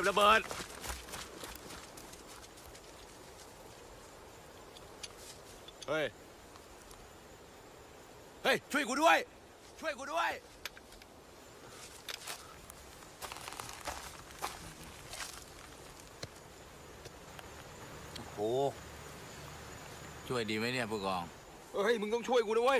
ระเบิดเฮ้ยช่วยกูด้วยโอ้ช่วยดีไหมเนี่ยผู้กองมึงต้องช่วยกูด้วย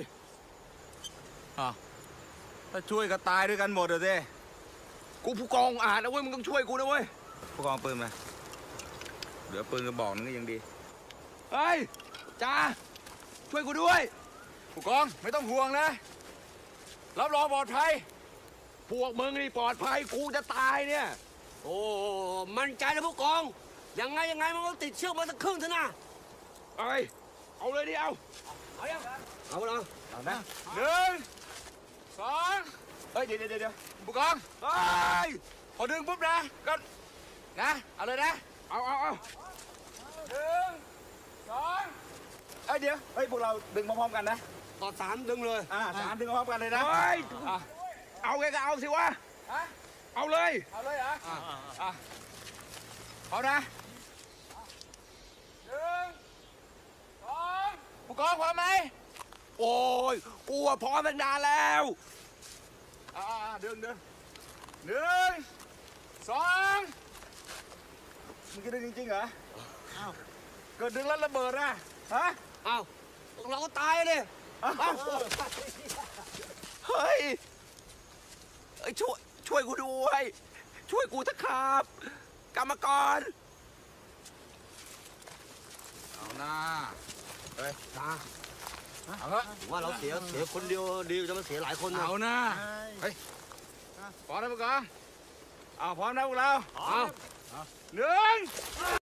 ถ้าช่วยก็ตายด้วยกันหมดเลยสิกูผู้กองอ่านนะเว้ยมึงต้องช่วยกูนะเว้ยผู้กองปืนมาเหลือปืนกระบอกนึงก็ยังดีจ้าช่วยกูด้วยผู้กองไม่ต้องห่วงนะรับรองปลอดภัยพวกมึงนี่ปลอดภัยกูจะตายเนี่ยโอ้มั่นใจนะผู้กองยังไงมันก็ติดเชือกมาสักครึ่งเถอะนะเอาเลยดิเอายังเอานะเอานะ1 2เดี๋ยวผู้กองพอดึงปุ๊บนะก็นะเอาเลยนะเอา1 2เดี๋ยวพวกเราดึงพร้อมๆกันนะต่อ3ดึงเลย 3ดึงพร้อมกันเลยนะเอาไงก็เอาสิวะเอาเลยเหรอเอานะ1 2ผู้กองพร้อมไหมโอ้ยกูพร้อมตั้งนานแล้วดึง1 2มึงจะดึงจริงๆเหรอเกิดดึงแล้วระเบิดนะเราก็ตายเลยช่วยกูด้วยช่วยกูเถอะครับกรรมกรเอาหน้าเอาว่าเราเสียคนเดียวดีจะมาเสียหลายคนเอาหน้าพร้อมนะพวกเราพร้อมนะพวกเราเอา 1